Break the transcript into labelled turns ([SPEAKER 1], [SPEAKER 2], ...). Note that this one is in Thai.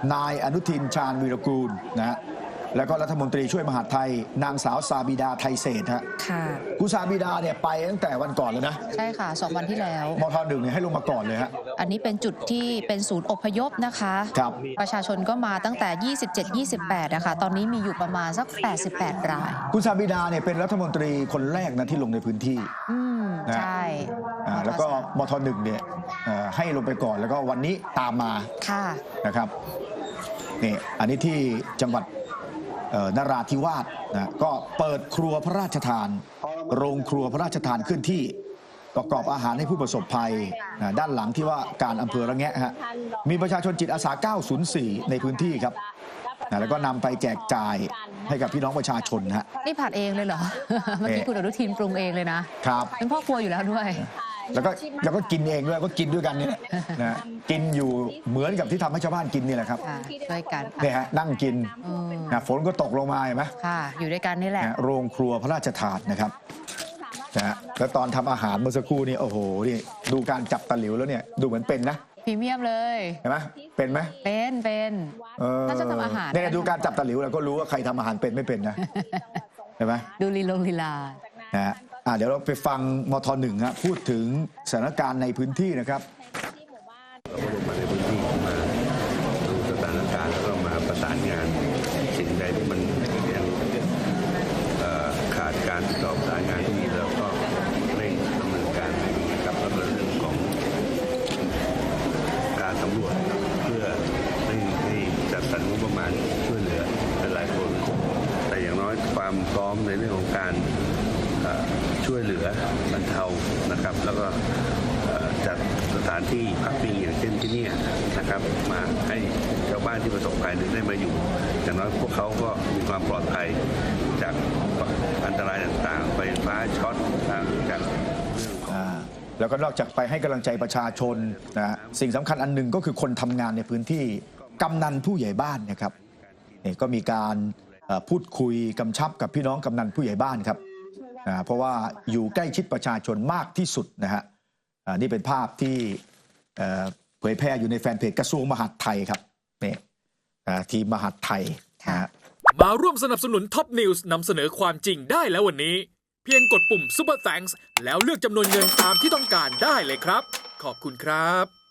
[SPEAKER 1] นายอนุทินชาญวีรกูลนะฮะแล้วก็รัฐมนตรีช่วยมหาดไทยนางสาวซาบิดาไทยเศรษฐ์ฮะคุณซาบิดาเนี่ยไปตั้งแต่วันก่อนเลยนะ
[SPEAKER 2] ใช่ค่ะ2 วันที่แล้ว
[SPEAKER 1] มท.1เนี่ยให้ลงมาก่อนเลยฮะ
[SPEAKER 2] อันนี้เป็นจุดที่เป็นศูนย์อพยพนะคะ
[SPEAKER 1] ครับ
[SPEAKER 2] ประชาชนก็มาตั้งแต่ 27-28นะคะตอนนี้มีอยู่ประมาณสัก88 ราย
[SPEAKER 1] คุณซาบิดาเนี่ยเป็นรัฐมนตรีคนแรกนะที่ลงในพื้นที่
[SPEAKER 2] ใช่
[SPEAKER 1] แล้วก็มท.1เนี่ยให้ลงไปก่อนแล้วก็วันนี้ตามมานะครับนี่อันนี้ที่จังหวัดนราธิวาสนะก็เปิดครัวพระราชทานโรงครัวพระราชทานขึ้นที่ประกอบอาหารให้ผู้ประสบภัยนะด้านหลังที่ว่าการอำเภอระแงะฮะมีประชาชนจิตอาสา904ในพื้นที่ครับนะแล้วก็นำไปแจกจ่ายให้กับพี่น้องประชาชนฮะ
[SPEAKER 2] นี่ผัดเองเลยเหรอ เมื่อกี้คุณอนุทินปรุงเองเลยนะครับเป็นพ่อครัวอยู่แล้วด้วย
[SPEAKER 1] แล้วก็กินเองด้วยก็กินด้วยกันนี่นะกินอยู่เหมือนกับที่ทำให้ชาวบ้านกินนี่แหละครับ
[SPEAKER 2] ด้วยกัน
[SPEAKER 1] เนี่ยฮะนั่งกินฝนก็ตกลงมาเห็นไหม
[SPEAKER 2] ค่ะอยู่ด้วยกันนี่แหละ
[SPEAKER 1] โรงครัวพระราชทานนะครับนะแล้วตอนทำอาหารเมื่อสักครู่นี่โอ้โหนี่ดูการจับตะหลิวแล้วเนี่ยดูเหมือนเป็นนะ
[SPEAKER 2] พรีเมียมเลย
[SPEAKER 1] เห็นไหมเป็นไหม
[SPEAKER 2] เป็นถ้าจะทำอาหาร
[SPEAKER 1] เนี่ยดูการจับตะหลิวเราก็รู้ว่าใครทำอาหารเป็นไม่เป็นนะเห็นไหม
[SPEAKER 2] ดูลีลา
[SPEAKER 1] นะเดี๋ยวเราไปฟังมท.1ฮะพูดถึงสถานการณ์ในพื้นที่นะครับ
[SPEAKER 3] เราก็ลงมาในพื้นที่มาดูสถานการณ์แล้วก็มาประสานงานสิ่งใดที่มันยังขาดการติดต่อประสานงานที่นี่เราก็เร่งดำเนินการกับเรื่องของการสำรวจเพื่อให้จัดสรรงบประมาณช่วยเหลือหลายคนแต่อย่างน้อยความพร้อมในเรื่องของการช่วยเหลือบรรเทานะครับแล้วก็จัดสถานที่พักพิงอย่างเช่นที่นี่นะครับมาให้ชาวบ้านที่ประสบภัยได้มาอยู่อย่างน้อยพวกเขาก็มีความปลอดภัยจากอันตรายต่างๆไฟฟ้าช็อตต่างจาก
[SPEAKER 1] แล้วก็นอกจากไปให้กำลังใจประชาชนนะสิ่งสำคัญอันหนึ่งก็คือคนทำงานในพื้นที่กำนันผู้ใหญ่บ้านนะครับนี่ก็มีการพูดคุยกำชับกับพี่น้องกำนันผู้ใหญ่บ้านครับเพราะว่าอยู่ใกล้ชิดประชาชนมากที่สุดนะฮะนี่เป็นภาพที่เผยแพร่อยู่ในแฟนเพจกระทรวงมหาดไทยครับนี่ทีมมหาดไทย
[SPEAKER 4] มาร่วมสนับสนุนท็อปนิวส์นำเสนอความจริงได้แล้ววันนี้เพียงกดปุ่ม Super Thanks แล้วเลือกจำนวนเงินตามที่ต้องการได้เลยครับขอบคุณครับ